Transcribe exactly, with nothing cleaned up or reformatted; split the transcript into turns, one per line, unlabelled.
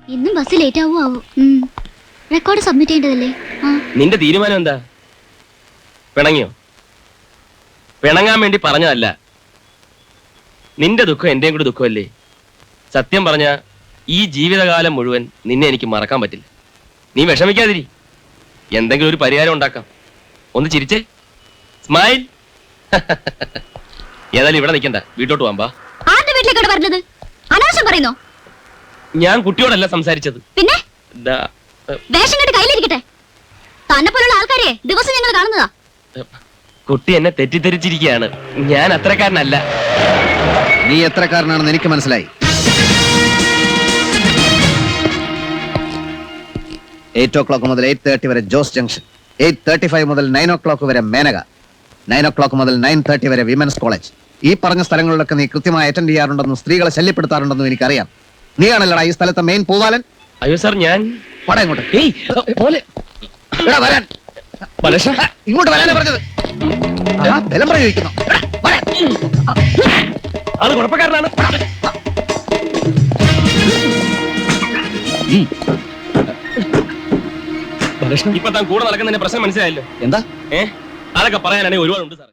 ഇന്നും bus late ആവോ ആവോ. റെക്കോർഡ് സബ്മിറ്റ് ചെയ്യേണ്ടതല്ലേ?
നിന്റെ തീരുമാനം എന്താ? പിണങ്ങിയോ? പിണങ്ങാൻ വേണ്ടി പറഞ്ഞതല്ല. നിന്റെ ദുഃഖം എന്റെയും കൂടി ദുഃഖമല്ലേ? സത്യം പറഞ്ഞ ഈ ജീവിതകാലം മുഴുവൻ നിന്നെ എനിക്ക് മറക്കാൻ പറ്റില്ല. നീ വിഷമിക്കാതിരി, എന്തെങ്കിലും ഒരു പരിഹാരം ഉണ്ടാക്കാം. ഒന്ന് ചിരിച്ചേ, സ്മൈൽ. ഏതായാലും ഇവിടെ നിൽക്കണ്ട, വീട്ടോട്ട് പോകാം.
വീട്ടിലേക്കാണ് പറഞ്ഞത്. അനാവശ്യം പറയുന്നോ?
ഞാൻ കുട്ടിയോടല്ല സംസാരിച്ചത്.
പിന്നെ വേഷം കെട്ട് കയ്യിലിരിക്കട്ടെ. തന്നെ പോലുള്ള ആൾക്കാരെ ദിവസം ഞങ്ങൾ കാണുന്നതാ.
കുട്ടി എന്നെ തെറ്റിദ്ധരിച്ചിരിക്കുകയാണ്. ഞാൻ അത്രക്കാരനല്ല.
നീ എത്രക്കാരനാണെന്ന് എനിക്ക് മനസ്സിലായി. എയ്റ്റ് ഓ ക്ലോക്ക് മുതൽ എയ്റ്റ് തേർട്ടി വരെ Jose junction, eight thirty five മുതൽ നയൻ ഓ ക്ലോക്ക് വരെ മേനക, നയൻ ഓ ക്ലോക്ക് മുതൽ നയൻ തേർട്ടി വരെ വിമൻസ് കോളേജ്. ഈ പറഞ്ഞ സ്ഥലങ്ങളിലൊക്കെ നീ കൃത്യമായി അറ്റൻഡ് ചെയ്യാറുണ്ടെന്നും സ്ത്രീകളെ ശല്യപ്പെടുത്താറുണ്ടെന്നും എനിക്കറിയാം. നീയാണല്ലടാ ഈ സ്ഥലത്തെ മെയിൻ പൂവാലൻ?
അയ്യോ സാർ, ഞാൻ
ഇങ്ങോട്ട്
ഇങ്ങോട്ട്
വരാനാ പറഞ്ഞത്. ബലം പ്രയോഗിക്കുന്നു.
അത് കുഴപ്പക്കാരനാണ്. ഇപ്പൊ താൻ കൂടെ നടക്കുന്നതിന്റെ പ്രശ്നം മനസ്സിലായല്ലോ.
എന്താ?
ഏഹ് അതൊക്കെ പറയാനാണെങ്കിൽ ഒരുപാടുണ്ട് സാർ.